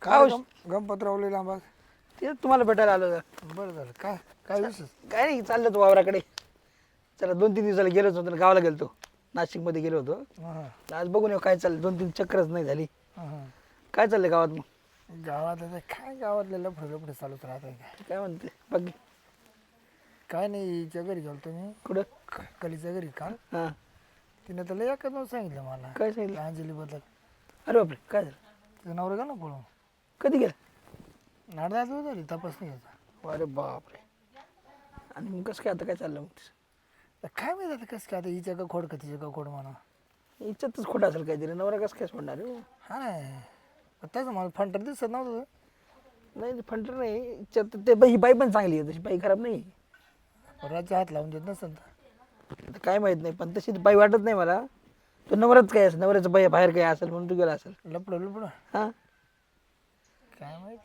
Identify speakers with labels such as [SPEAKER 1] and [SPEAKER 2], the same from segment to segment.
[SPEAKER 1] काय
[SPEAKER 2] गणपतरावले लांबा.
[SPEAKER 1] ते तुम्हाला भेटायला आलो होतो.
[SPEAKER 2] बरं झालं. काय काय विशेष?
[SPEAKER 1] काय नाही चाललं तो वावराकडे. चला 2-3 दिवसाला गेलोच होतो गावाला गेलतो. नाशिकमध्ये गेलो होतो. आज बघून येऊ काय चाललं. 2-3 चक्करच नाही झाली. काय चाललंय गावात मग?
[SPEAKER 2] गावात आता काय गावातले लफडे चालूच राहत.
[SPEAKER 1] काय म्हणते बाकी?
[SPEAKER 2] काय नाही हिच्या घरी गेलतो मी.
[SPEAKER 1] कुठं?
[SPEAKER 2] कलीच्या घरी काल.
[SPEAKER 1] हां.
[SPEAKER 2] तिने त्याला एकच नाव सांगितलं मला.
[SPEAKER 1] काय सांगितलं?
[SPEAKER 2] अंजली बद्दल.
[SPEAKER 1] अरे बापरे काय झालं?
[SPEAKER 2] तिचं नवरा गेला ना पळून.
[SPEAKER 1] कधी गेलं?
[SPEAKER 2] नाडदा झाली तपासणी घ्यायचा.
[SPEAKER 1] अरे बापरे. आणि मग कसं काय आता काय चाललं मग?
[SPEAKER 2] काय माहिती आता कसं काय आता हिच्या का खोड का तिच्या का खोड म्हणा.
[SPEAKER 1] इच्छातच खोटं असेल काहीतरी. नवरा कसं काय सोडणार रे?
[SPEAKER 2] हा नाही तसं मला फंटर दिसत नव्हतं.
[SPEAKER 1] नाही फंटर नाही इच्छात ते बाई ही बाई पण चांगली आहे तशी बाई खराब नाही.
[SPEAKER 2] राज्य हात लावून देत नसेल तर.
[SPEAKER 1] आता काय माहित नाही पण तशी बाई वाटत नाही मला. तो नवराच काय असेल नवऱ्याचं बाई बाहेर काय असेल म्हणून तू गेला असेल.
[SPEAKER 2] लपडं
[SPEAKER 1] हां
[SPEAKER 2] काय माहिती.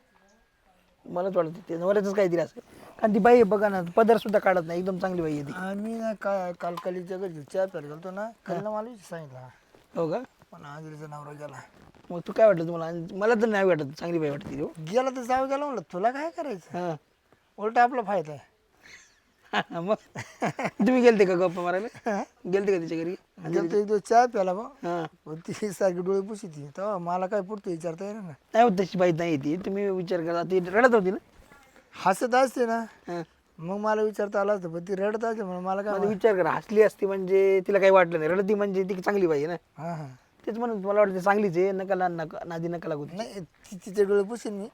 [SPEAKER 1] मलाच वाटतं ते नवऱ्याचंच काहीतरी असेल. कारण ती बाई बघा ना पदर सुद्धा काढत नाही एकदम चांगली बाई आहे ती.
[SPEAKER 2] आम्ही ना काय काल कलीच्या घरी चहा प्यायला गेलतो ना. कलीनं मला सांगितलं
[SPEAKER 1] हो का?
[SPEAKER 2] पण अंजलीचा नवरा गेला.
[SPEAKER 1] मग तू काय वाटलं तुम्हाला? मला तर नाही वाटत चांगली बाई वाटते ती.
[SPEAKER 2] गेला तर जाऊ गेला म्हणलं तुला काय करायचं.
[SPEAKER 1] हां
[SPEAKER 2] उलट आपला फायदा आहे.
[SPEAKER 1] मग तुम्ही गेलते का गप्पा मारायला? गेलते का तिच्या घरी?
[SPEAKER 2] गेलतो एक दिवस चहा प्याला बा.
[SPEAKER 1] हां
[SPEAKER 2] पण ती सारखी डोळे पुशी ती तेव्हा मला काय पुढतं विचारता येणार ना.
[SPEAKER 1] नाही होत तशी बाई नाही ती. तुम्ही विचार करा ती रडत होती ना?
[SPEAKER 2] हसत असते ना
[SPEAKER 1] हां
[SPEAKER 2] मग मला विचारता आलं असतं पण ती रडत असते म्हणून मला काय
[SPEAKER 1] माझा विचार करा हसली असती म्हणजे तिला काही वाटलं नाही. रडती म्हणजे ती चांगली बाई आहे ना.
[SPEAKER 2] हां हां
[SPEAKER 1] तेच म्हणून मला वाटतं चांगलीच आहे. नादी नका लागू तिची.
[SPEAKER 2] नाही तिचे डोळे पुशीन मी.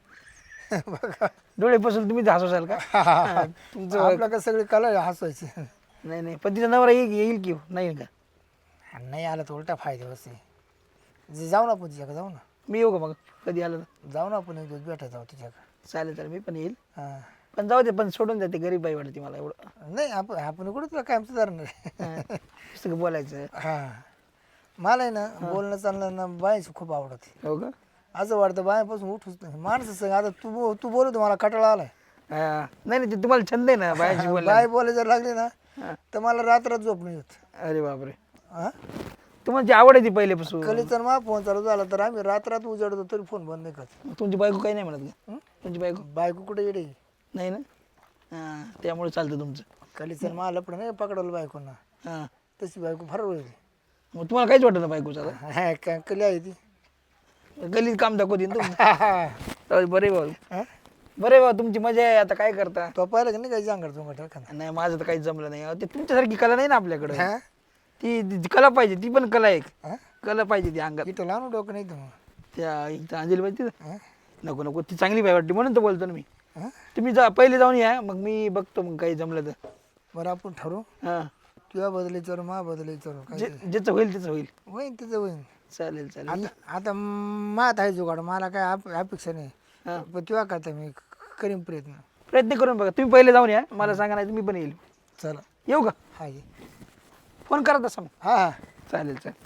[SPEAKER 2] बघा
[SPEAKER 1] डोळे पासून तुम्ही हसवसाल का? तुमचं
[SPEAKER 2] आपला का सगळे कला हसवायचे.
[SPEAKER 1] नाही नाही पण तिचा नवरा येईल की नाही का?
[SPEAKER 2] नाही आला तर उलटा फायदा असते. जाऊ ना आपण तिच्याकडे जाऊ ना.
[SPEAKER 1] मी येऊ का मग कधी आलं तर?
[SPEAKER 2] जाऊ ना आपण एक दिवस भेटायला जाऊ तिच्याकडे.
[SPEAKER 1] चालेल चालेल मी पण येईल.
[SPEAKER 2] हां
[SPEAKER 1] पण जाऊ दे पण सोडून जाते गरीब बाई वाटते मला एवढं.
[SPEAKER 2] नाही आपण कुठं तुला काय आमचं धरणार आहे.
[SPEAKER 1] सगळं बोलायचं.
[SPEAKER 2] हां मला आहे ना बोलणं चालणं ना बायची खूप आवडते.
[SPEAKER 1] हो का?
[SPEAKER 2] असं वाटतं बायापासून उठूच नाही माणसं सांग आता तू बोलत मला कटाळा आलाय.
[SPEAKER 1] हा. नाही नाही ते तुम्हाला छंद आहे ना बायाशी बोलायला.
[SPEAKER 2] बाय बोलायला जर लागले ना तर मला रात्रात झोप नाही होत.
[SPEAKER 1] अरे बापरे.
[SPEAKER 2] हां
[SPEAKER 1] तुम्हाला जी आवड आहे ती पहिल्यापासून.
[SPEAKER 2] कलीचा मा फोन चालू झाला तर आम्ही रात्रात उजाडतो तरी फोन बंद नाही करत.
[SPEAKER 1] मग तुमची बायको काही नाही म्हणत का? तुमची बायको
[SPEAKER 2] बायको कुठे येडे.
[SPEAKER 1] नाही ना? हां त्यामुळे चालतं तुमचं.
[SPEAKER 2] कलीचा मा लपडं नाही पकडवलं बायकोंना.
[SPEAKER 1] हां
[SPEAKER 2] तशी बायको फार होईल.
[SPEAKER 1] मग तुम्हाला काहीच वाटत ना बायकोचं आता?
[SPEAKER 2] कली आहे ती.
[SPEAKER 1] गल्लीत काम दाखवते ना तुम्ही. बरे भाऊ
[SPEAKER 2] हां
[SPEAKER 1] बरे भाऊ तुमची मजा आहे. आता काय करता?
[SPEAKER 2] तो पाहिलं का नाही काही सांगणार तुम्हाला.
[SPEAKER 1] नाही माझं तर काहीच जमलं नाही. ते तुमच्यासारखी कला नाही ना आपल्याकडे.
[SPEAKER 2] हां
[SPEAKER 1] ती कला पाहिजे. ती पण कला एक
[SPEAKER 2] हां
[SPEAKER 1] कला पाहिजे ती अंगात.
[SPEAKER 2] इथं लहान डोकं नाही तर
[SPEAKER 1] त्या इथं अंजली पाहिजे
[SPEAKER 2] हां
[SPEAKER 1] नको नको ती चांगली बाई वाटते म्हणून तर बोलतो ना मी.
[SPEAKER 2] हां
[SPEAKER 1] तुम्ही पहिले जाऊन या मग मी बघतो मग काही जमलं तर.
[SPEAKER 2] बरं आपण ठरवू.
[SPEAKER 1] हां
[SPEAKER 2] तुझ्या बदली विचारू मा बदली विचारू काय
[SPEAKER 1] ज्याचं होईल त्याचं होईल.
[SPEAKER 2] होईन तिचं होईन.
[SPEAKER 1] चालेल चालेल.
[SPEAKER 2] आता मात आहे जुगाड मला काय अपेक्षा नाही.
[SPEAKER 1] हां
[SPEAKER 2] पण तुला करता मी करीन प्रयत्न.
[SPEAKER 1] प्रयत्न करून बघा. तुम्ही पहिले जाऊन या मला सांगा नाही मी पण येईल.
[SPEAKER 2] चला
[SPEAKER 1] येऊ का?
[SPEAKER 2] हा ये.
[SPEAKER 1] फोन करा तसा मग.
[SPEAKER 2] हा हा
[SPEAKER 1] चालेल चालेल.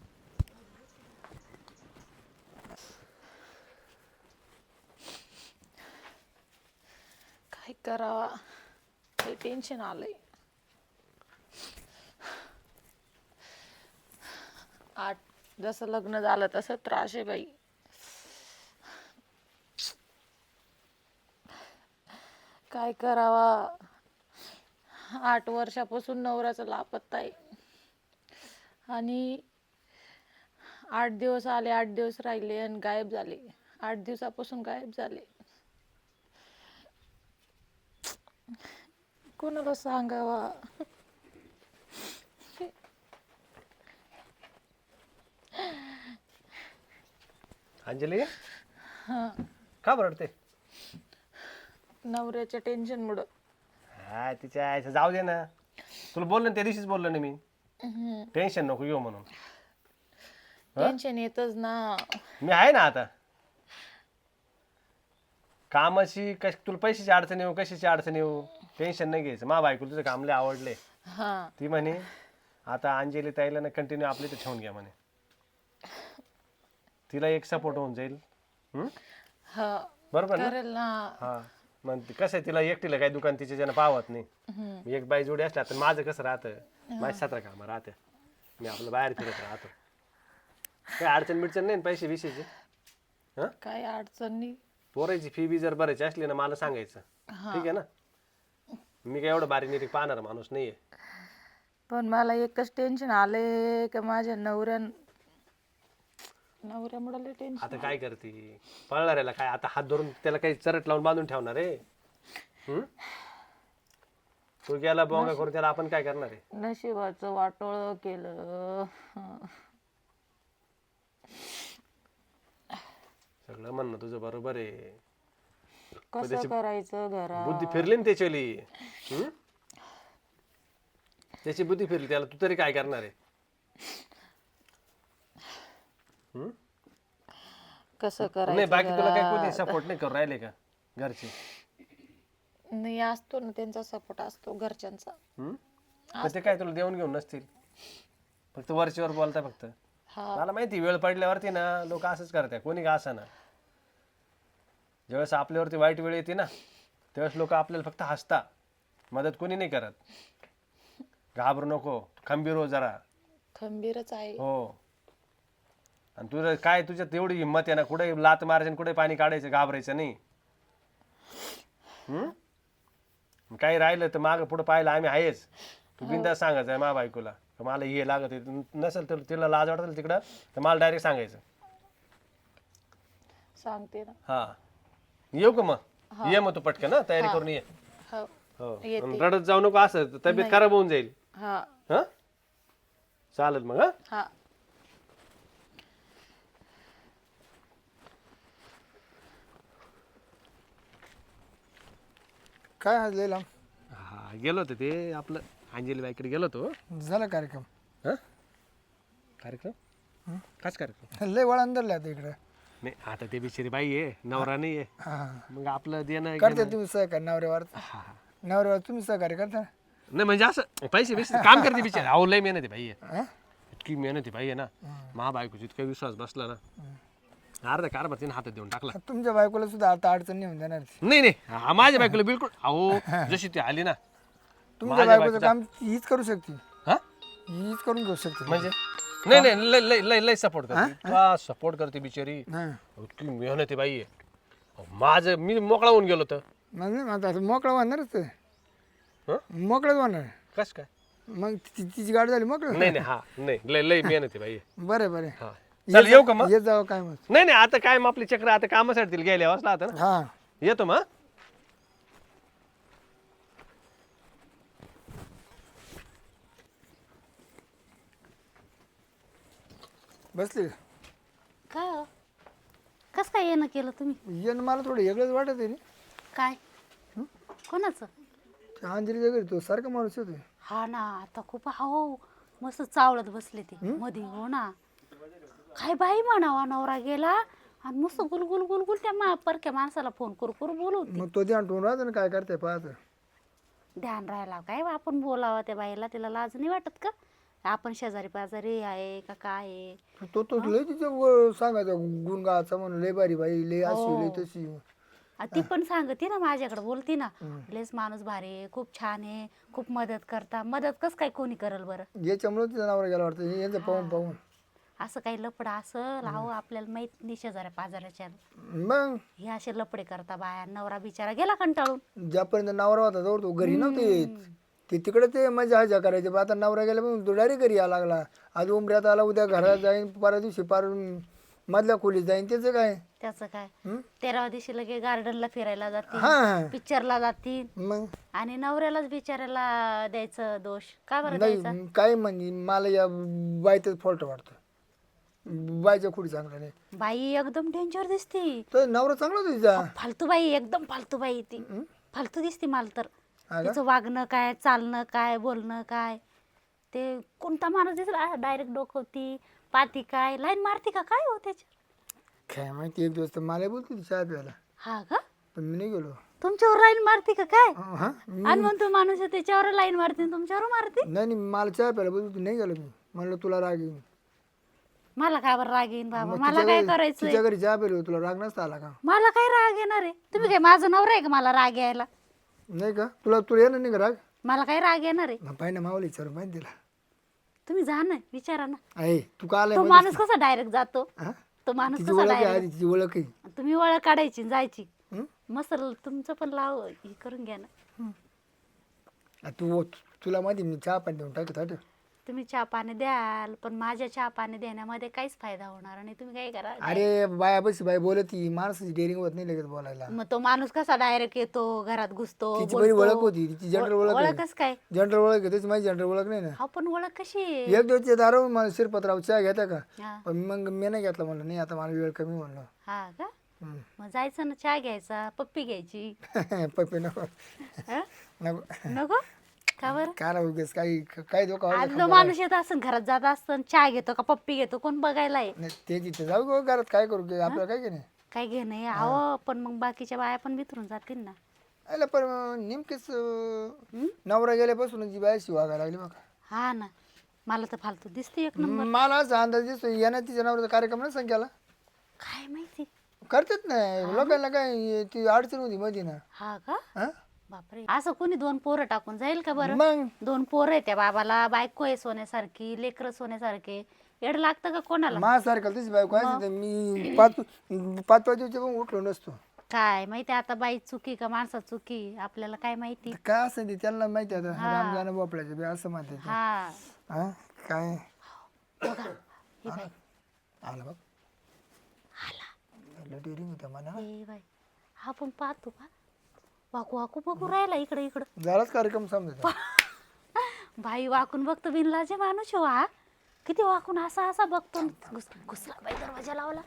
[SPEAKER 3] काय करावा हे टेन्शन आलंय. जसं लग्न झालं तसं त्रास आहे बाई. काय करावा. 8 वर्षापासून नवऱ्याचा लापत्ता आहे आणि 8 दिवस आले 8 दिवस राहिले आणि गायब झाले. 8 दिवसापासून गायब झाले. कोणाला सांगावा.
[SPEAKER 4] अंजली
[SPEAKER 3] हा
[SPEAKER 4] का बरडते?
[SPEAKER 3] नवऱ्याच्या टेन्शन मुळे.
[SPEAKER 4] हा तिच्या आईचं जाऊ दे ना. तुला बोललो ना त्या दिवशीच बोललो ना मी टेन्शन नको घेऊ म्हणून.
[SPEAKER 3] टेन्शन येतच ना.
[SPEAKER 4] मी आहे ना आता. कामाची तुला पैशाची अडचण येऊ कशाची अडचण येऊ टेन्शन नाही घ्यायचं. मा बायको तुझं काम लय आवडले.
[SPEAKER 3] हा
[SPEAKER 4] ती म्हणे आता अंजली ताईला ना कंटिन्यू आपल्या इथे ठेवून घ्या म्हणे. तिला एक सपोर्ट होऊन जाईल.
[SPEAKER 3] हा
[SPEAKER 4] बरोबर ना?
[SPEAKER 3] करेल ना.
[SPEAKER 4] हा मग कसं आहे तिला एकटीला काही दुकान तिच्या ज्यानं पावत नाही. एक बाई जोडी असल्या तर माझं कसं राहतं माझी 17 कामं राहतं. मी आपलं बाहेर फिरत राहतो. काही अडचण बिडचण नाही पैसे विषयची. हा
[SPEAKER 3] काय अडचण नाही.
[SPEAKER 4] पोरायची फी बी जर भरायची असली ना मला सांगायचं, ठीक आहे ना. मी काय एवढं बारीक निरीक पाहणार माणूस नाहीये.
[SPEAKER 3] पण मला एकच टेन्शन आले का माझ्या नवऱ्यामुळे लय टेन्शन.
[SPEAKER 4] आता काय करते पळणाऱ्याला काय आता हात धरून त्याला काही चरट लावून बांधून ठेवणार आहे? तू गेला बोंगा करून त्याला आपण काय करणार आहे?
[SPEAKER 3] नशिबाचं वाटोळ केलं.
[SPEAKER 4] सगळं म्हणणं तुझं बरोबर आहे.
[SPEAKER 3] कसं करायचं घरात?
[SPEAKER 4] बुद्धी फिरली ना त्याची. त्याची बुद्धी फिरली, त्याला तू तरी काय करणार आहे?
[SPEAKER 3] कसं
[SPEAKER 4] नाही
[SPEAKER 3] करायचं
[SPEAKER 4] बाकी तुला काय
[SPEAKER 3] घरात?
[SPEAKER 4] कोणी सपोर्ट नाही करू राहिले का घरचे?
[SPEAKER 3] नाही असतो ना त्यांचा सपोर्ट असतो घरच्यांचा.
[SPEAKER 4] पण ते काय तुला देऊन घेऊन नसतील, फक्त वरचीवर बोलता फक्त.
[SPEAKER 3] हा
[SPEAKER 4] मला माहिती वेळ पडल्यावरती ना लोक असंच करतात, कोणी का असा ना. ज्यावेळेस आपल्यावरती वाईट वेळ येते ना त्यावेळेस लोक आपल्याला फक्त हसता, मदत कोणी नाही करत. घाबरू नको, खंबीर हो जरा.
[SPEAKER 3] खंबीरच आहे.
[SPEAKER 4] हो. आणि तुझं काय तुझ्यात एवढी हिंमत आहे ना, कुठे लात मारायचं कुठे पाणी काढायचं, घाबरायचं नाही. काही राहिलं तर मागं पुढे पाहिलं आम्ही आहेच. तू बिनधास्त सांगायचं आहे मा बायकोला मला हे लागत आहे. नसेल तर तिला लाज वाटत तिकडं तर मला डायरेक्ट सांगायचं.
[SPEAKER 3] सांगते ना.
[SPEAKER 4] हा येऊ का मग? ये मग तू पटकन ना तयारी करून ये.
[SPEAKER 3] हो
[SPEAKER 4] हो
[SPEAKER 3] येते.
[SPEAKER 4] रडत जाऊ नको, असं तब्येत खराब होऊन जाईल.
[SPEAKER 3] हा
[SPEAKER 4] हा चालेल मग. हा
[SPEAKER 3] हा
[SPEAKER 2] काय आज लय लांब
[SPEAKER 4] हा गेलो होतो ते आपलं अंजली बाईकडे गेलो होतो.
[SPEAKER 2] झाला कार्यक्रम?
[SPEAKER 4] हा कार्यक्रम काच कार्यक्रम
[SPEAKER 2] लय वळण धरले आता इकडे.
[SPEAKER 4] नाही आता ते बिचारी बाई आहे, नवरा नाही आहे.
[SPEAKER 2] हा
[SPEAKER 4] मग आपलं देणं
[SPEAKER 2] करते
[SPEAKER 4] घेणं.
[SPEAKER 2] तुम्ही सहकार्य नवऱ्यावर?
[SPEAKER 4] हा.
[SPEAKER 2] नवऱ्यावर तुम्ही सहकार्य करता?
[SPEAKER 4] नाही म्हणजे असं पैसे बिसे काम करते बिचारी. अहो लय मेहनत आहे बाई आहे,
[SPEAKER 2] हा?
[SPEAKER 4] इतकी मेहनत आहे बाई आहे ना. महाबायकोची इतका विश्वास बसला ना, अर्धा कारभार तिने हातात देऊन टाकला.
[SPEAKER 2] तुमच्या बायकोला सुद्धा आता अडचण नाही होऊन देणार ती.
[SPEAKER 4] नाही नाही हा, माझ्या बायकोला बिलकुल. अहो जशी ती आली ना
[SPEAKER 2] तुमच्या बायकोचं काम हीच करू शकते,
[SPEAKER 4] हा
[SPEAKER 2] हीच करून घेऊ शकते.
[SPEAKER 4] म्हणजे नाही नाही लय लय लय लय सपोर्ट करते, सपोर्ट करते बिचारी.
[SPEAKER 2] हा
[SPEAKER 4] इतकी मेहनत आहे बाई आहे. अहो, माझं मी मोकळा होऊन गेलो तर
[SPEAKER 2] मग नाही आता मोकळा होणारच ते.
[SPEAKER 4] हं?
[SPEAKER 2] मोकळाच होणार.
[SPEAKER 4] कस काय?
[SPEAKER 2] मग तिची गाडी झाली मोकळं.
[SPEAKER 4] नाही नाही हा नाही लय लय मेहनत आहे बाई.
[SPEAKER 2] बरं बरं
[SPEAKER 4] हा चल येऊ का मग?
[SPEAKER 2] येत जावं काय मग.
[SPEAKER 4] नाही नाही आता काय मग आपली चक्र आता कामासाठी तिला गेल्या वाजला आता ना.
[SPEAKER 2] हा
[SPEAKER 4] येतो मग.
[SPEAKER 2] बसली
[SPEAKER 5] काय हो? कसं काय येणं केलं तुम्ही?
[SPEAKER 2] येणं मला थोडं वेगळंच वाटत आहे.
[SPEAKER 5] काय कोणाचं?
[SPEAKER 2] अंजलीच्या घरी तो सारखा माणूस होतो.
[SPEAKER 5] हा ना आता खूप हो मस्त चावळत बसले ते मध्ये. हो ना काय बाई म्हणावा, नवरा गेला आणि मस्त गुलगुल गुलगुल त्या परक्या माणसाला फोन करू करू बोलवते.
[SPEAKER 2] मग तो ध्यान ठेवून राहतो ना काय करते पाहत.
[SPEAKER 5] ध्यान राहायला काय आपण बोलावं त्या बाईला, तिला लाज नाही वाटत का? आपण शेजारी पाजारी आहे का काय आहे?
[SPEAKER 2] तो लय तिचं सांगायचा गुणगाचा म्हणून लय बारी बाई लय अशी लय तशी.
[SPEAKER 5] ती पण सांगते ना माझ्याकडे, बोलती ना लेस माणूस भारी आहे, खूप छान आहे, खूप मदत करता. मदत कस काय कोणी करल बरं?
[SPEAKER 2] याच्यामुळे तिचा नवरा गेला वाटतं यांचं पाहून पाहून.
[SPEAKER 5] असं काही लपडा असं लावू आपल्याला माहित नाही शेजाऱ्या पाजाऱ्याच्या.
[SPEAKER 2] मग
[SPEAKER 5] हे असे लपडे करता बाया. नवरा बिचारा गेला कंटाळून.
[SPEAKER 2] ज्यापर्यंत नवरा होता जवळ तो घरी नव्हते येत. ते तिकडे ते मजा हजा करायचे. पण आता नवरा गेला पण तो डायरेक्ट घरी यायला लागला. आज उमऱ्यात आला, उद्या घरात जाईन, परवा दिवशी पार मधल्या खोलीत जाईन. त्याचं काय?
[SPEAKER 5] त्याचं काय 13व्या दिवशी लगे गार्डनला फिरायला जातील,
[SPEAKER 2] हा
[SPEAKER 5] पिक्चरला जातील
[SPEAKER 2] मग
[SPEAKER 5] आणि नवऱ्यालाच बिचाऱ्याला द्यायचं दोष. का बरं द्यायचा?
[SPEAKER 2] नाही काय म्हणजे मला या बाईतच फॉल्ट वाटतो. बाईच्या खोडी चांगला नाही.
[SPEAKER 5] बाई एकदम डेंजर दिसती.
[SPEAKER 2] तर नवरा चांगला होता तिचा.
[SPEAKER 5] फालतू बाई, एकदम फालतू बाई ती. फालतू दिसती मला तर.
[SPEAKER 2] हा का?
[SPEAKER 5] तिचं वागणं काय, चालणं काय, बोलणं काय, ते कोणता माणूस दिसला डायरेक्ट डोकवती, पाती काय, लाईन मारती का काय हो त्याच्या?
[SPEAKER 2] काय माहिती एक दिवस तर मला बोलते ती चहा प्यायला,
[SPEAKER 5] हा का?
[SPEAKER 2] पण मी नाही गेलो.
[SPEAKER 5] तुमच्यावर लाईन मारती का काय?
[SPEAKER 2] हा
[SPEAKER 5] आणि मग तो माणूस आहे त्याच्यावर लाईन मारते आणि तुमच्यावर मारते?
[SPEAKER 2] नाही नाही मला चहा प्यायला बोलते, नाही गेलो मी. म्हणलं तुला राग येईन.
[SPEAKER 5] मला काय बरं राग येईन बाबा?
[SPEAKER 2] मग
[SPEAKER 5] मला
[SPEAKER 2] तिच्या
[SPEAKER 5] काय
[SPEAKER 2] घरी-
[SPEAKER 5] करायचंय?
[SPEAKER 2] तिच्या घरी चहा प्यायला तुला राग नसता आला का?
[SPEAKER 5] मला काय राग येणार आहे? तुम्ही काय माझं नवरा आहे का मला राग यायला?
[SPEAKER 2] नाही का? तुला येणार नाही का राग?
[SPEAKER 5] मला काय राग येणार आहे?
[SPEAKER 2] मग पाहिजे मावली विचारून पाहिजे तिला.
[SPEAKER 5] तुम्ही जा ना, विचारा ना.
[SPEAKER 2] आहे तू का आलाय
[SPEAKER 5] तो
[SPEAKER 2] मध्येच?
[SPEAKER 5] माणूस कसा डायरेक्ट जातो?
[SPEAKER 2] हा?
[SPEAKER 5] तो माणूस
[SPEAKER 2] तिची
[SPEAKER 5] कसा
[SPEAKER 2] ओळख आहे
[SPEAKER 5] direct-
[SPEAKER 2] आधी, तिची ओळख आहे.
[SPEAKER 5] तुम्ही ओळख काढायची आणि जायची
[SPEAKER 2] हं?
[SPEAKER 5] मस्त तुमचं पण लाव हे करून घ्या ना
[SPEAKER 2] तुला माहिती मी चहा पाणी देऊन टाकत होतो.
[SPEAKER 5] तुम्ही चहा पाणी द्याल पण माझ्या चहा पाणी देण्यामध्ये काहीच फायदा होणार नाही तुम्ही काय करा
[SPEAKER 2] अरे बाया बस बाई बोलत ती माणसाची डेअरिंग होत नाही लगेच बोलायला.
[SPEAKER 5] मग तो माणूस कसा डायरेक्ट येतो घरात घुसतो
[SPEAKER 2] तिची बरी
[SPEAKER 5] बोलतो.
[SPEAKER 2] ओळख होती, तिची जनरल ओळख आहे.
[SPEAKER 5] ओळखच काय
[SPEAKER 2] जनरल ओळख आहे, त्याची माझी जनरल ओळख नाही ना.
[SPEAKER 5] हा पण ओळख कशी आहे?
[SPEAKER 2] एक दिवस दारू मला शिरपतराव चहा घेता का,
[SPEAKER 5] हा
[SPEAKER 2] पण मग मी नाही घेतला म्हणलं, नाही आता मला वेळ कमी म्हणलं.
[SPEAKER 5] हा का
[SPEAKER 2] हम्म.
[SPEAKER 5] मग जायचं ना चहा घ्यायचा पप्पी घ्यायची
[SPEAKER 2] पप्पी नको
[SPEAKER 5] हा?
[SPEAKER 2] नको
[SPEAKER 5] नको का बरं
[SPEAKER 2] काय उगेच काही काही धोका
[SPEAKER 5] आज जो माणूस येत असं घरात जात असतं चहा घेतो का पप्पी घेतो कोण बघायला आहे
[SPEAKER 2] नाही ते तिथे जाऊ गो घरात काय करू की आपल्याला काय की नाही.
[SPEAKER 5] काय घे नाही अहो पण मग बाकीच्या बाया पण बिथरून जातील ना
[SPEAKER 2] अरे पण नेमकेच नवरा गेल्यापासून जी बायाशी वागायला लागली बघा.
[SPEAKER 5] हा ना मला तर फालतू दिसते एक नंबर
[SPEAKER 2] मला असा अंदाज दिसतो यानं तिच्या नवऱ्याचा कार्यक्रम नाही सांगायला
[SPEAKER 5] काय माहिती
[SPEAKER 2] करतेच नाही लोकांना काय ती अडचण होती मध्ये ना.
[SPEAKER 5] हा का
[SPEAKER 2] हा?
[SPEAKER 5] बापरे असं कोणी 2 पोरं टाकून जाईल का बरं
[SPEAKER 2] मग
[SPEAKER 5] 2 पोरं आहे त्या बाबाला बायको आहे सोन्यासारखी लेकरं सोन्यासारखे एड लागतं का कोणाला
[SPEAKER 2] माझ्यासारखं तशी बायको आहे मी पाच दिवशी पण उठलो नसतो.
[SPEAKER 5] काय माहिती आता बाई चुकी का माणसा चुकी आपल्याला काय माहिती
[SPEAKER 2] काय असं ते त्यांना माहिती आता रामजान बोपळाचे बी असं म्हणते ते.
[SPEAKER 5] हा
[SPEAKER 2] हा काय
[SPEAKER 5] बघा हे बाई
[SPEAKER 2] आला बघ डेअरिंग होत्या म्हणा.
[SPEAKER 5] ए बाई हा पण पाहतो का वाकू वाकू बघू राहिला इकडे इकडं
[SPEAKER 2] झालाच कार्यक्रम समजा.
[SPEAKER 5] बाई वाकून बघतो बिनलाजे माणूस हो हा किती वाकून असा असा बघतो घुसला बाई दरवाजा लावला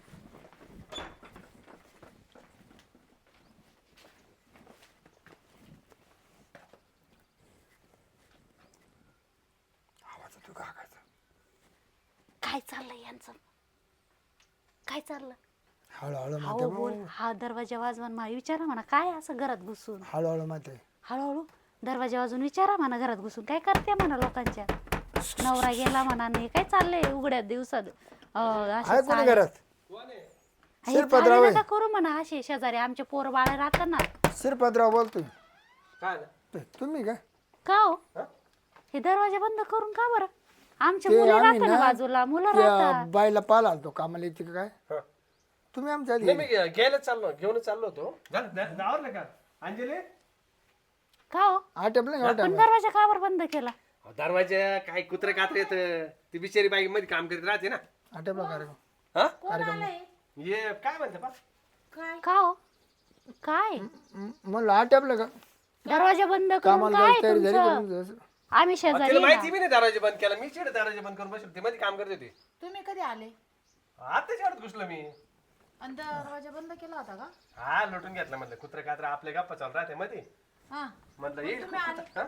[SPEAKER 5] काय चाललंय यांचं काय चाललं
[SPEAKER 2] हळूहळू
[SPEAKER 5] हो
[SPEAKER 2] माते
[SPEAKER 5] बोल हा दरवाजा वाजवून मला विचारा म्हणा काय असं घरात घुसून
[SPEAKER 2] हळूहळू माते
[SPEAKER 5] हळूहळू दरवाजा वाजून विचारा म्हणा घरात घुसून काय करते म्हणा लोकांच्या नवरा गेला म्हणा नाही काय चाललंय उघड्या दिवसात असे
[SPEAKER 2] आहे कोणी
[SPEAKER 5] चाळे-
[SPEAKER 2] घरात
[SPEAKER 5] हे
[SPEAKER 2] शिरपतराव
[SPEAKER 5] चाळे
[SPEAKER 2] आहे.
[SPEAKER 5] नका करू म्हणा असे शेजारी आमचे पोर बाळ राहतात ना
[SPEAKER 2] शिरपतराव बोलतोय.
[SPEAKER 4] काय ना?
[SPEAKER 2] तुम्ही काय
[SPEAKER 5] का हो हे दरवाजा बंद करून का बरं आमच्या
[SPEAKER 2] ते
[SPEAKER 5] मुली
[SPEAKER 2] आम्ही
[SPEAKER 5] राहतात ना
[SPEAKER 2] ना
[SPEAKER 5] बाजूला मुलं
[SPEAKER 2] त्या
[SPEAKER 5] राहतात
[SPEAKER 2] बाईला पाला आलतो कामाला येते का काय
[SPEAKER 4] हा.
[SPEAKER 2] तुम्ही आमच्या आधी
[SPEAKER 4] नाही मी घ्यायलाच चाललो घेऊनच चाललो होतो आवडलं का अंजली
[SPEAKER 5] का हो
[SPEAKER 2] आटपलं नाही
[SPEAKER 5] पण दरवाजा का बरं बंद केला
[SPEAKER 4] दरवाजा काय कुत्रे कात्र येत ती बिचारी बाई मध्ये काम करीत राहते ना.
[SPEAKER 2] आटपला कार्यक्रम.
[SPEAKER 4] हा ये काय म्हणते पा
[SPEAKER 5] का हो काय
[SPEAKER 2] म्हणलं आटपलं का
[SPEAKER 5] दरवाजा बंद करून
[SPEAKER 2] कामाला
[SPEAKER 5] काय
[SPEAKER 2] जायची तयारी झाली का
[SPEAKER 5] तुमचं
[SPEAKER 2] तुमचं असं?
[SPEAKER 5] आम्ही शेजारी
[SPEAKER 4] तिला
[SPEAKER 5] आहे
[SPEAKER 4] माहिती बी नाही दरवाजा बंद केला मी चिड दरवाजा बंद करून बसलो ते मध्ये काम करत होते.
[SPEAKER 6] तुम्ही कधी आले
[SPEAKER 4] आता शेवट घुसलो मी.
[SPEAKER 6] आणि दरवाजा बंद केला होता का
[SPEAKER 4] हा लोटून घेतला म्हटलं कुत्रे कात्र आपले गप्पा चालू राहते मध्ये
[SPEAKER 6] हा
[SPEAKER 4] म्हटलं येईल हा?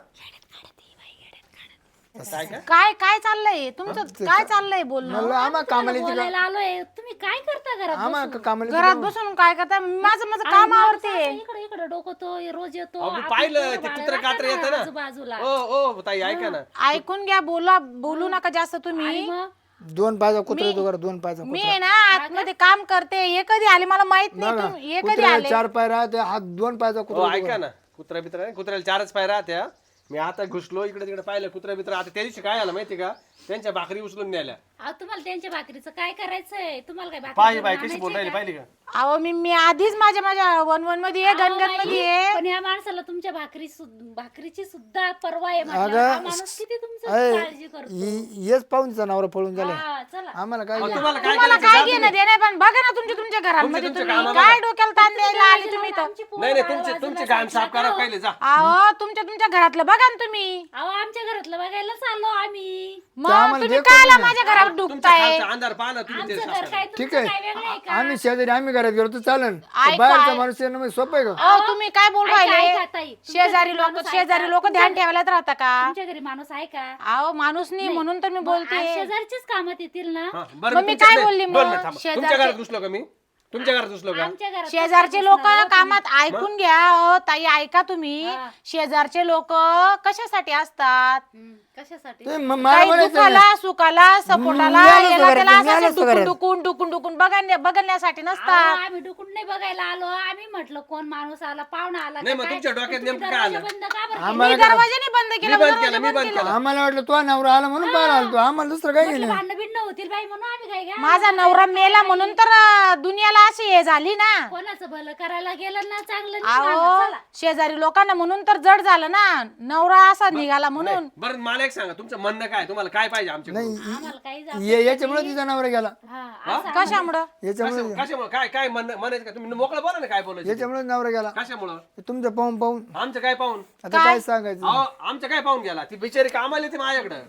[SPEAKER 6] काय काय चाललंय तुमचं काय चाललंय बोलणं
[SPEAKER 2] म्हणलं आम्हा कामाला येते का
[SPEAKER 5] बोलायला आलोय तुम्ही काय करता घरात
[SPEAKER 2] आम्हा कामाला येते
[SPEAKER 6] घरात बसून काय करता माझं माझं काम आवडते
[SPEAKER 5] इकडे इकडे डोकतो रोज येतो
[SPEAKER 4] अहो, मी
[SPEAKER 5] आपली
[SPEAKER 4] पाहिलं
[SPEAKER 5] पोरं
[SPEAKER 4] ते
[SPEAKER 5] बाळं
[SPEAKER 4] कुत्रे
[SPEAKER 5] राहतात
[SPEAKER 4] कात्र येतं ना.
[SPEAKER 5] आजूबाजूला
[SPEAKER 4] ओ ताई ऐका ना
[SPEAKER 6] ऐकून घ्या बोलू नका जास्त तुम्ही
[SPEAKER 5] मग
[SPEAKER 2] 2 पायचा कुत्रा येतो घरात 2 पायचा
[SPEAKER 6] मी आहे ना आतमध्ये काम करते हे कधी आले मला माहित नाही तुम्ही हे कधी
[SPEAKER 2] कुत्र्याला
[SPEAKER 6] आले
[SPEAKER 2] 4 पाय राहते हात 2 पायचा
[SPEAKER 4] हो
[SPEAKER 2] कुत्रा
[SPEAKER 4] ऐका ना कुत्रा बित्रा कुत्र्याला 4च पाय राहत्या. मी आता घुसलो इकडे तिकडे पाहिलं कुत्रा बित्रा आता त्या दिवशी काय आलं माहिती का त्यांच्या भाकरी उचलून न्याल्या.
[SPEAKER 5] अहो, तुम्हाला त्यांच्या भाकरीचं काय करायचंय तुम्हाला काय भाकरी
[SPEAKER 4] पाहिजे
[SPEAKER 5] करून
[SPEAKER 4] बाई कशी बोल
[SPEAKER 5] आणायचीय
[SPEAKER 4] राहिली
[SPEAKER 5] का?
[SPEAKER 4] पाहिली का
[SPEAKER 6] अहो मी आधीच माझ्या वन मध्ये आहे गणगण मध्ये आहे
[SPEAKER 5] पण या माणसाला तुमच्या भाकरीची सुद्धा पर्वा आहे म्हटलं. हा माणूस किती तुमचं काळजी करतो
[SPEAKER 2] येच पाहुणचा नवरा पळून झाला
[SPEAKER 5] हा, चला
[SPEAKER 2] आम्हाला काय घ्या?
[SPEAKER 4] तुम्हाला काय
[SPEAKER 6] तुम्हाला
[SPEAKER 4] करायचं
[SPEAKER 6] काय घेणं देणं पण बघा ना तुमच्या घरांमध्ये
[SPEAKER 4] तुमच्या
[SPEAKER 6] तुम्ही
[SPEAKER 4] कामाला
[SPEAKER 6] काय डोक्याला ताण द्यायला आले तुम्ही तर
[SPEAKER 5] आमची पोरं
[SPEAKER 4] नाही नाही
[SPEAKER 5] बाळं
[SPEAKER 4] तुमचे
[SPEAKER 5] बाजूला
[SPEAKER 4] घाण साफ करा पहिले जा.
[SPEAKER 6] अहो तुमच्या घरातलं बघा ना तुम्ही
[SPEAKER 5] अहो आमच्या घरातलं बघायला चाललो आम्ही
[SPEAKER 6] मग
[SPEAKER 2] आम्हाला
[SPEAKER 6] तुम्ही
[SPEAKER 2] देखो
[SPEAKER 6] कायला
[SPEAKER 2] ना.
[SPEAKER 6] माझ्या घरावर
[SPEAKER 4] तुमच्या
[SPEAKER 6] डुबताय
[SPEAKER 4] खालचा अंधार पहा ना तुम्ही ते
[SPEAKER 5] आमचं
[SPEAKER 4] साफ
[SPEAKER 5] घर
[SPEAKER 4] करा.
[SPEAKER 5] काय
[SPEAKER 2] ठीक
[SPEAKER 5] तुमचं काय वेगळं आहे
[SPEAKER 2] आहे
[SPEAKER 5] का
[SPEAKER 2] आम्ही शेजारी आम्ही घरात गेलो तर चालन
[SPEAKER 6] ऐका,
[SPEAKER 2] बाहेरचा माणूस येणं म्हणजे सोपं आहे का
[SPEAKER 6] अहो तुम्ही काय बोल
[SPEAKER 5] ऐका,
[SPEAKER 6] राहिले
[SPEAKER 5] ऐका, ताई. तुमच्या
[SPEAKER 6] शेजारी
[SPEAKER 5] घरी
[SPEAKER 6] लोक
[SPEAKER 5] माणूस
[SPEAKER 6] शेजारी
[SPEAKER 5] आहे
[SPEAKER 6] लोक
[SPEAKER 5] का?
[SPEAKER 6] ध्यान ठेवायलाच राहता का
[SPEAKER 5] तुमच्या घरी माणूस आहे का
[SPEAKER 6] अहो माणूस नाही म्हणून तर मी
[SPEAKER 5] मग
[SPEAKER 6] बोलते
[SPEAKER 5] आज शेजारचीच कामात येतील ना
[SPEAKER 4] हा, बरं
[SPEAKER 6] मग मी
[SPEAKER 4] तुमच्या-
[SPEAKER 6] काय
[SPEAKER 4] नाही,
[SPEAKER 6] बोलली
[SPEAKER 4] दोन
[SPEAKER 6] मग?
[SPEAKER 4] मिनिट थांबा.
[SPEAKER 6] शेजारचे-
[SPEAKER 4] तुमच्या घरात घुसलो का मी तुमच्या घरात घुसलो का
[SPEAKER 5] आमच्या घरात
[SPEAKER 6] शेजारचे लोक कामात ऐकून घ्या अहो, ताई ऐका तुम्ही
[SPEAKER 5] हा.
[SPEAKER 6] शेजारचे लोक कशासाठी असतात
[SPEAKER 5] कशासाठी
[SPEAKER 2] ते मला
[SPEAKER 6] काही
[SPEAKER 2] म्हणायचं
[SPEAKER 6] दुखाला सुखाला सपोर्टाला
[SPEAKER 2] मिळालं
[SPEAKER 6] याला
[SPEAKER 2] सगळं,
[SPEAKER 6] त्याला असं
[SPEAKER 2] मिळालं
[SPEAKER 6] डुकून
[SPEAKER 2] सगळं.
[SPEAKER 6] डुकून डुकून डुकून बघण्यासाठी
[SPEAKER 5] अहो,
[SPEAKER 6] नसतात
[SPEAKER 5] आम्ही डुकून नाही बघायला आलो आम्ही म्हटलं कोण माणूस आला पाहुणा आला
[SPEAKER 4] नाही,
[SPEAKER 5] का
[SPEAKER 4] मग
[SPEAKER 5] काय?
[SPEAKER 4] तुमच्या डोक्यात
[SPEAKER 5] तुम्ही
[SPEAKER 4] नेमकं काय
[SPEAKER 5] दरवाजा
[SPEAKER 4] आलं?
[SPEAKER 5] बंद का बरं केला?
[SPEAKER 2] आम्हाला
[SPEAKER 6] मी दरवाजाने बंद
[SPEAKER 4] मी
[SPEAKER 6] केला
[SPEAKER 4] बंद
[SPEAKER 6] दरवाजा
[SPEAKER 4] केला मी बंद केला
[SPEAKER 2] आम्हाला वाटलं तो नवरा आला म्हणून पाहिला आलतो आम्हाला दुसरं काय
[SPEAKER 5] म्हटलं
[SPEAKER 2] घेणं
[SPEAKER 5] भांडण बिंड होतील बाई म्हणून आम्ही काय घ्या
[SPEAKER 6] माझा नवरा मेला म्हणून तर दुनियाला अशी हे झाली ना.
[SPEAKER 5] कोणाचं भलं करायला गेलं ना चांगलं नाही झालं.
[SPEAKER 6] अहो
[SPEAKER 5] चला.
[SPEAKER 6] शेजारी लोकांना म्हणून तर जड झालं ना, नवरा असा निघाला म्हणून.
[SPEAKER 4] बरं मला एक सांगा, तुमचं म्हणणं काय, तुम्हाला काय पाहिजे आमच्याकडून?
[SPEAKER 5] आम्हाला काही जाऊ
[SPEAKER 2] याच्यामुळे तिचा नवरा गेला.
[SPEAKER 5] हा
[SPEAKER 6] कशामुळं?
[SPEAKER 2] याच्यामुळे
[SPEAKER 4] कशामुळे काय काय म्हणायचं का? तुम्ही मोकळं बोला ना, काय बोलायचं?
[SPEAKER 2] याच्यामुळे नवरा गेला.
[SPEAKER 4] कशामुळं?
[SPEAKER 2] तुमचं पाहून पाहून
[SPEAKER 4] आमचं काय पाहून?
[SPEAKER 2] आता काय सांगायचं.
[SPEAKER 4] अहो आमचं काय पाहून गेला? ती बिचारी कामाला येते माझ्याकडं.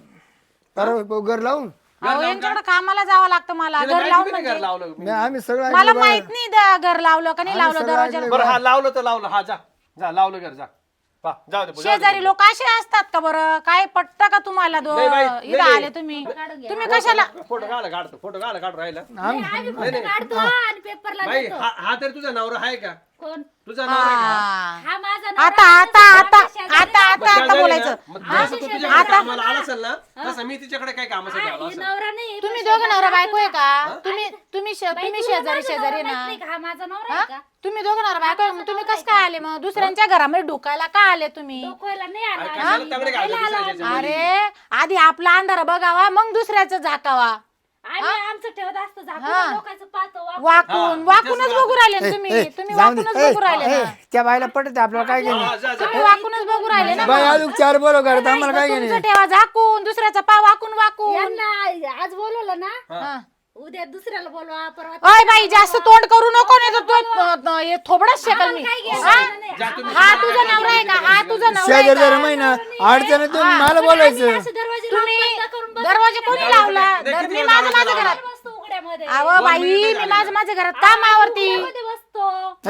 [SPEAKER 2] बरं घर लावून
[SPEAKER 6] अहो यांच्याकडे कामाला जावं लागतं मला.
[SPEAKER 4] तिला
[SPEAKER 6] घर
[SPEAKER 4] माहिती
[SPEAKER 6] लावून
[SPEAKER 4] बी नाही
[SPEAKER 6] म्हणजे
[SPEAKER 4] घर लावलं मी.
[SPEAKER 2] आम्ही सगळं
[SPEAKER 6] मला
[SPEAKER 2] ऐकलं
[SPEAKER 6] माहित नाही घर लावलं का नाही लावलं दरवाजा.
[SPEAKER 4] बरं हा लावलं तर लावलं. हा जा जा लावलं घर जा. पा, जाऊ दे जाऊ दे.
[SPEAKER 6] शेजारी लोक असे असतात का बरं? काय पटतं का तुम्हाला
[SPEAKER 4] नाही बाई,
[SPEAKER 6] इथं
[SPEAKER 4] नाही.
[SPEAKER 6] आले तुम्ही? तुम्ही कशाला?
[SPEAKER 4] फोटो काढतो, फोटो काढ राहिला.
[SPEAKER 5] आम्ही फोटो काढतो आणि पेपरला
[SPEAKER 4] बाई
[SPEAKER 5] देतो.
[SPEAKER 4] हा तरी तुझा नवरा आहे का?
[SPEAKER 5] कोण
[SPEAKER 4] तुझा नवरा आहे का?
[SPEAKER 6] हा.
[SPEAKER 5] हा माझा
[SPEAKER 6] आता
[SPEAKER 5] नवरा
[SPEAKER 6] आता
[SPEAKER 5] आहे,
[SPEAKER 6] आता
[SPEAKER 5] शेजारी
[SPEAKER 6] आता
[SPEAKER 5] आहे.
[SPEAKER 6] आता आता बोलायचं.
[SPEAKER 4] मग जसं तू तुझ्याकडे कामाला आला असेल ना, तसं मी तिच्याकडे काय कामासाठी आलो
[SPEAKER 5] ही
[SPEAKER 4] असेल.
[SPEAKER 5] नवरा नाही
[SPEAKER 6] तुम्ही दोघं नवरा बायको आहे का? तुम्ही शेजारी शेजारी ना.
[SPEAKER 5] हा माझा नवरा
[SPEAKER 6] हा?
[SPEAKER 5] आहे का
[SPEAKER 6] तुम्ही दोघं नवरा बायको आहे, मग तुम्ही कसं काय आले? मग दुसऱ्यांच्या घरामध्ये ढुकायला का आले तुम्ही?
[SPEAKER 5] डोकवायला नाही
[SPEAKER 4] अरे
[SPEAKER 5] आला
[SPEAKER 4] कशाला तगडे घालतो दुसऱ्याच्या मध्ये?
[SPEAKER 6] अरे आधी आपला अंधार बघावा, मग दुसऱ्याचं झाकावा.
[SPEAKER 5] आम्ही आमचं ठेवत असतो
[SPEAKER 6] हा.
[SPEAKER 5] झाकून लोकांचं पाहतो
[SPEAKER 6] वाकूनच बघू राहिले ना तुम्ही. तुम्ही
[SPEAKER 2] जाऊ दे.
[SPEAKER 6] वाकूनच बघू राहिले ना.
[SPEAKER 2] त्या बाईला पटत आपल्याला काय घेणे.
[SPEAKER 4] हा, जा, जा.
[SPEAKER 6] तुम्ही वाकूनच बघू राहिले ना.
[SPEAKER 2] बाई अजून 4 बोलो करत आम्हाला काय घेणे.
[SPEAKER 6] तुमचं ठेवा झाकून, दुसऱ्याचा पा वाकून वाकून.
[SPEAKER 5] यांना आज बोलवलं ना
[SPEAKER 6] हा.
[SPEAKER 5] उद्या दुसऱ्याला बोलवा परवा
[SPEAKER 6] अय बाई जास्त तोंड करू नको, नाही तर तो हे थोबडच शेकल मी.
[SPEAKER 4] जा तुम्ही.
[SPEAKER 6] हा तुझा नवरा आहे का? हा तुझा नवरा आहे
[SPEAKER 2] शेजार
[SPEAKER 6] का?
[SPEAKER 2] जरा महिना अडचण तुम्ही मला बोलायचं.
[SPEAKER 5] दरवाजे
[SPEAKER 6] तुम्ही
[SPEAKER 5] बंद करून
[SPEAKER 6] दरवाजा कोणी लावला?
[SPEAKER 4] किती
[SPEAKER 6] मी
[SPEAKER 4] वेळ
[SPEAKER 6] माझं
[SPEAKER 4] लावायचा
[SPEAKER 6] माझ्या घरात.
[SPEAKER 5] बसतो उघड्यामध्ये
[SPEAKER 6] अहो बाई मी माझ्या घरात कामावरती.
[SPEAKER 5] मध्ये बसतो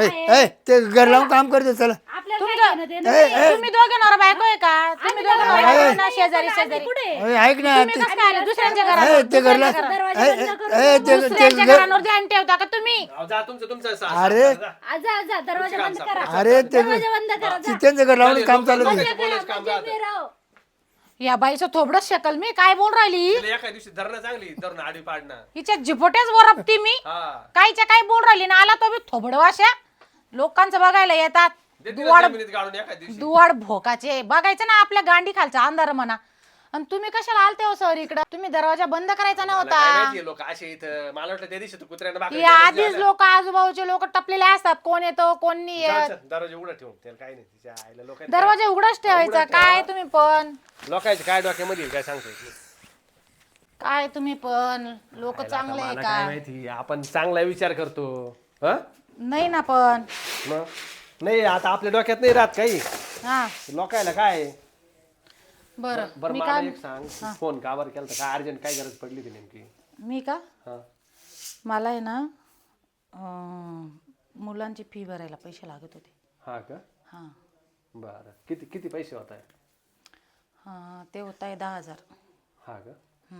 [SPEAKER 2] ते घर लावून काम करते चला.
[SPEAKER 5] आपल्याला काय घेणं देणं नाही.
[SPEAKER 6] तुम्ही दोघे नवरा बायको आहे का? तुम्ही दोघे नवरा बायको आहे ना? शेजारी शेजारी.
[SPEAKER 5] कुठे
[SPEAKER 2] ऐक ना
[SPEAKER 6] तुम्ही कसं काय आले दुसऱ्यांच्या घरात?
[SPEAKER 2] ते घरला
[SPEAKER 5] दरवाजे बंद करून
[SPEAKER 6] दुसऱ्यांच्या घरांवर ध्यान ठेवता का तुम्ही?
[SPEAKER 4] अहो, जा तुमचं
[SPEAKER 2] अरे.
[SPEAKER 4] जा.
[SPEAKER 5] जा जा दरवाजा बंद करा
[SPEAKER 2] अरे ते
[SPEAKER 5] दरवाजा बंद करा जा.
[SPEAKER 2] त्यांचं घर लावून काम चालू आहे.
[SPEAKER 4] बोलायचं काम जातं.
[SPEAKER 5] उभे राहो.
[SPEAKER 6] या बाईचं थोबडच शकल मी. काय बोल राहिली?
[SPEAKER 4] तिला एका दिवशी धरणं चांगली धरणं आडी पाडणं.
[SPEAKER 6] हिच्या झिपोट्याच वरपती मी.
[SPEAKER 4] हा
[SPEAKER 6] कायच्या काय बोल राहिली ना. आला तो बी थोबड वाशा. लोकांचं बघायला येतात.
[SPEAKER 4] दे तिला जमिनीत गाडून एका दिवशी.
[SPEAKER 6] दुवाड भोकाचे बघायचं ना आपल्या गांडी खालचा अंधार म्हणा. आणि तुम्ही कशाला आलते हो सर इकडं? तुम्ही दरवाजा बंद करायचा
[SPEAKER 4] मला काय
[SPEAKER 6] नव्हता.
[SPEAKER 4] माहितीये लोक असे इथं. मला वाटलं त्या दिवशी तू कुत्र्यानं
[SPEAKER 6] की
[SPEAKER 4] बाकड्या
[SPEAKER 6] आधीच लोक आजूबाजूचे लोक टपलेले असतात. कोण येतो कोण नाही येत.
[SPEAKER 4] दरवाजा उघडा ठेवून त्याला काही नाही. तिच्या आईला लोकांचे
[SPEAKER 6] दरवाजा उघडाच ठेवायचा. काय तुम्ही पण
[SPEAKER 4] काय डोक्यामध्ये येईल काय सांगतोय.
[SPEAKER 6] काय तुम्ही पण लोक चांगले आहे
[SPEAKER 4] मला काय
[SPEAKER 6] का?
[SPEAKER 4] माहिती, आपण चांगला विचार करतो. हं?
[SPEAKER 6] नाही ना पण.
[SPEAKER 4] मग नाही आता आपल्या डोक्यात नाही राहत काही.
[SPEAKER 6] हा
[SPEAKER 4] लोकायला काय.
[SPEAKER 6] बरं
[SPEAKER 4] बरं
[SPEAKER 6] मी
[SPEAKER 4] मला
[SPEAKER 6] काय
[SPEAKER 4] एक सांग, फोन का बरं केला काय अर्जंट काय गरज पडली ती नेमकी?
[SPEAKER 6] मी का
[SPEAKER 4] हा
[SPEAKER 6] मला आहे ना मुलांची फी भरायला पैसे लागत होते.
[SPEAKER 4] हा का?
[SPEAKER 6] हां
[SPEAKER 4] बरं किती किती पैसे होत आहे?
[SPEAKER 6] हां ते होत आहे 10,000.
[SPEAKER 4] हा का?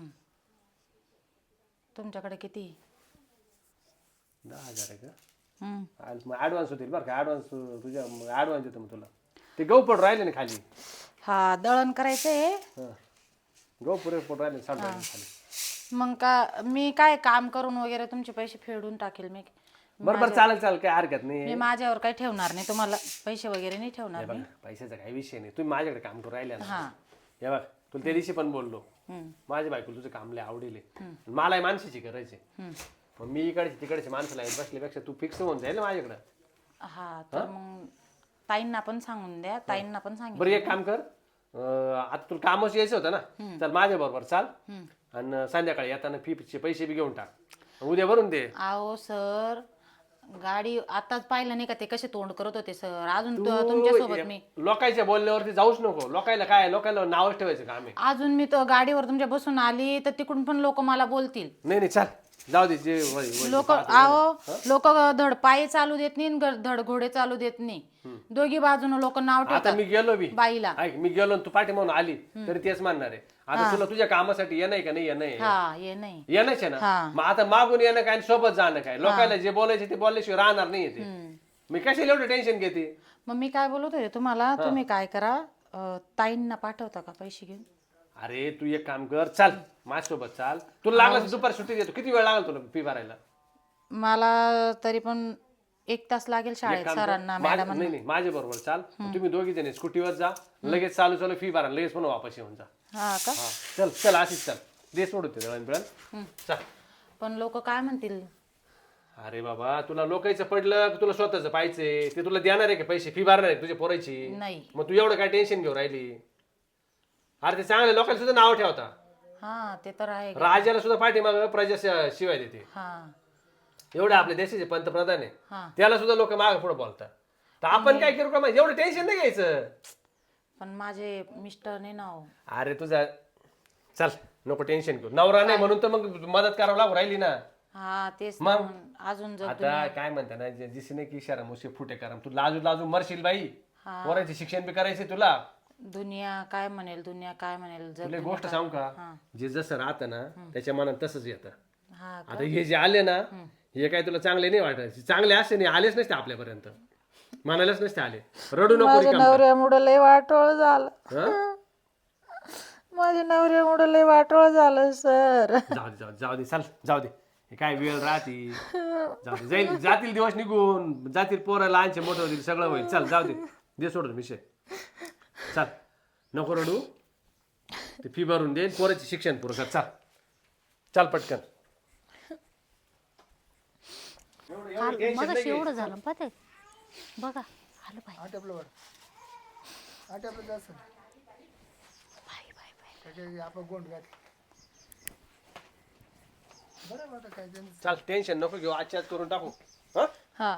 [SPEAKER 6] तुमच्याकडे किती?
[SPEAKER 4] 10,000 आहे का?
[SPEAKER 6] हम्म.
[SPEAKER 4] मग ॲडव्हान्स होतील बरं का. ॲडव्हान्स तुझ्या ॲडव्हान्स देतो मग तुला. ते गहू पड राहिले ना खाली.
[SPEAKER 6] हा दळण करायचंय.
[SPEAKER 4] हां गहू पुरे पड राहिले साठ राहिले खाली.
[SPEAKER 6] मग का मी काय काम करून वगैरे तुमचे पैसे फेडून टाकेल मी.
[SPEAKER 4] बरं बरं चालेल चालेल काही हरकत नाही.
[SPEAKER 6] मी माझ्यावर काही ठेवणार नाही. तुम्हाला पैसे वगैरे नाही ठेवणार
[SPEAKER 4] बघ
[SPEAKER 6] मी.
[SPEAKER 4] पैशाचा काही विषय नाही. तुम्ही माझ्याकडे काम करून राहिले ना.
[SPEAKER 6] हां
[SPEAKER 4] हे बघ तुला त्या दिवशी पण बोललो. माझ्या बायकोला तुझं काम लय आवडेल. मलाही माणसाची गरज आहे. मग मी इकडचे तिकडचे माणसं लावून बसल्यापेक्षा तू फिक्स होऊन जाईल ना माझ्याकडं.
[SPEAKER 6] हा तर मग ताईंना पण सांगून द्या. ताईंना पण सांगितलं.
[SPEAKER 4] बरं एक काम कर. आता तुला कामच यायचं होतं ना. चल माझ्या बरोबर चाल आणि संध्याकाळी येताना फीचे पैसे बी घेऊन टाक. उद्या भरून दे.
[SPEAKER 6] अहो सर गाडी आताच पाहिलं नाही का ते कसे तोंड करत होते सर. अजून तुमच्या सोबत मी
[SPEAKER 4] लोकांच्या बोलण्यावरती जाऊच नको. लोकायला काय लोकांना नावच ठेवायचं काम आहे.
[SPEAKER 6] अजून मी तो गाडीवर तुमच्या बसून आली तर तिकडून पण लोक मला बोलतील.
[SPEAKER 4] नाही नाही चाल जाऊ दे. जे वय- वय-
[SPEAKER 6] लोक लोक धड पायी चालू देत नाही धड घोडे चालू देत नाही. दोघी बाजून लोक नाव
[SPEAKER 4] आता
[SPEAKER 6] ठेवतात
[SPEAKER 4] मी गेलो बी
[SPEAKER 6] बाईला.
[SPEAKER 4] ऐक मी गेलो आणि तू पाठी म्हणून आली तरी तेच मानणार आहे. आता तुला तुझ्या कामासाठी येणं का नाही येणं आहे?
[SPEAKER 6] हा ये नाही.
[SPEAKER 4] येणंच आहे ना. मग आता मागून येणं काय आणि सोबत जाणं काय. लोकांना जे बोलायचे ते बोलल्याशिवाय राहणार नाही ते. मी कशाला एवढं टेन्शन घेते.
[SPEAKER 6] मग मी काय बोलत होते तुम्हाला तुम्ही काय करा ताईंना पाठवता का पैसे घेऊन?
[SPEAKER 4] अरे तू एक काम कर चाल माझ्यासोबत चाल. तुला लागलं दुपारी सुट्टी देतो. किती वेळ लागेल तुला फी भरायला?
[SPEAKER 6] मला तरी पण 1 तास लागेल शाळेत सरांना मॅडम.
[SPEAKER 4] नाही नाही माझ्या बरोबर चाल. तुम्ही दोघी जण स्कूटीवर जा. लगेच चालू चालू फी भरा लगेच पण वापस येऊन जा.
[SPEAKER 6] हा का?
[SPEAKER 4] हा चल चल अशीच चल. दे सोडून ते दळण बिळण चल.
[SPEAKER 6] पण लोक काय म्हणतील?
[SPEAKER 4] अरे बाबा तुला लोकांचं पडलं की तुला स्वतःच पाहिजे ते तुला देणार आहे का पैसे फी भरणार आहे तुझ्या पोरायची?
[SPEAKER 6] नाही.
[SPEAKER 4] मग तू एवढं काय टेन्शन घेऊ राहिली? अरे ते चांगल्या लोकांना सुद्धा नाव ठेवता.
[SPEAKER 6] हा ते तर आहे.
[SPEAKER 4] राजाला सुद्धा पाठीमाग प्रजा शिवाय देते.
[SPEAKER 6] हा
[SPEAKER 4] एवढे आपल्या देशाचे पंतप्रधान आहे
[SPEAKER 6] हा.
[SPEAKER 4] त्याला सुद्धा लोक मागे पुढे बोलतात. तर आपण काय करू का माहिती? एवढं टेन्शन नाही घ्यायचं.
[SPEAKER 6] पण माझे मिस्टर नाही ना हो.
[SPEAKER 4] अरे तुझा चल नको टेन्शन घेऊ. नवरा नाही म्हणून तर मग मदत करावं लागू राहिली ना.
[SPEAKER 6] हा तेच
[SPEAKER 4] मग?
[SPEAKER 6] ना. अजून जर
[SPEAKER 4] आता काय म्हणता ना जिसने की इशारा मुझसे फुटे करम तू लाजू लाजू मरशील बाई. पोरांचे शिक्षण बी करायचे तुला.
[SPEAKER 6] दुनिया काय म्हणेल, दुनिया काय म्हणेल. जर
[SPEAKER 4] तुला एक गोष्ट सांगू का? जे जसं राहतं ना त्याच्या मनात तसंच येतं.
[SPEAKER 6] हा
[SPEAKER 4] आता हे जे आले ना हे काय तुला चांगले नाही वाटत. चांगले असते नाही आलेच नसते आपल्यापर्यंत. म्हणायलाच नसते आले. रडू नको रिकामं.
[SPEAKER 3] नवऱ्यामुळे लय वाटोळ झालं.
[SPEAKER 4] हं?
[SPEAKER 3] माझ्या नवऱ्यामुळे लय वाटोळ झालं सर.
[SPEAKER 4] जाऊ दे चल जाऊ दे. हे काय वेळ राहती जाऊ दे. जाईल जातील दिवस निघून जातील पोरं लहानचे मोठं होतील सगळं होईल. चल जाऊ दे दे सोडून विषय. चल नको रडू. ते फी भरून दे पोराचे शिक्षण पुरं कर. चल चल पटकन.
[SPEAKER 5] काल मग एवढं झालं पाहते बघा आलं बाई.
[SPEAKER 2] आटपलं जास्त
[SPEAKER 5] बाई बाई बाई.
[SPEAKER 2] त्याच्या आपण गोंड घातली बरं आता काय त्यांचं
[SPEAKER 4] चल टेन्शन नको घेऊ. आजच्या आज करून टाकू. हं?
[SPEAKER 6] हा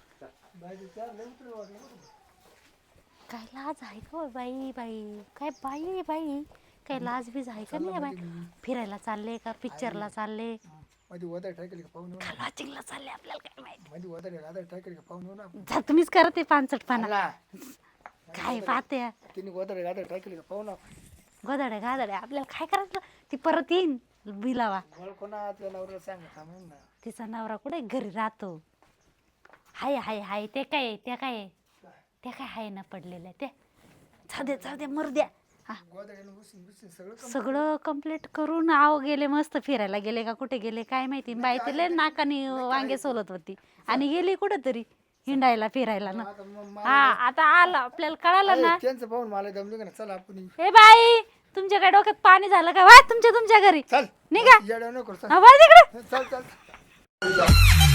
[SPEAKER 5] काय लाज आहे का हो बाई बाई? काय बाई बाई काय लाज बीज आहे का नाही बाई? फिरायला चालले का पिक्चरला चालले
[SPEAKER 2] मध्ये वदर टाकेल का पाहून
[SPEAKER 5] का लॉजिंगला चालले आपल्याला काय माहिती.
[SPEAKER 2] मध्ये वदर टाकेल का पाहून ना
[SPEAKER 5] जा तुम्हीच करते पानसटपणा. काय पाहते
[SPEAKER 2] तिने वदर टाकेल का पाहून
[SPEAKER 5] गोदाड्या गादाड्या आपल्याला काय करायचं? ती परत येईन बिलावा.
[SPEAKER 2] कोणा आपल्या नवऱ्याला सांगा म्हणून ना
[SPEAKER 5] तिचा नवरा कुठे घरी राहतो. हाय हाय हाय ते काय ते काय ते काय हाय ना पडलेलं ते. जाऊ दे मरू द्या.
[SPEAKER 2] गोदड्यानं बसून सगळं
[SPEAKER 5] सगळं कंप्लीट करून आव गेले मस्त फिरायला गेले का कुठे गेले काय माहिती. बाई तिला नाकाने वांगे सोलत होती आणि गेली कुठेतरी हिंडायला फिरायला ना. हा आता आलं आपल्याला कळालं ना.
[SPEAKER 2] त्यांचं पाहून मला दमली का ना. चल आपण
[SPEAKER 5] ए बाई तुमच्या काय डोक्यात पाणी झालं का? वा तुमच्या घरी
[SPEAKER 2] चल
[SPEAKER 5] निघा.
[SPEAKER 2] येड्या नको
[SPEAKER 5] हा, वा तिकडे.
[SPEAKER 2] चल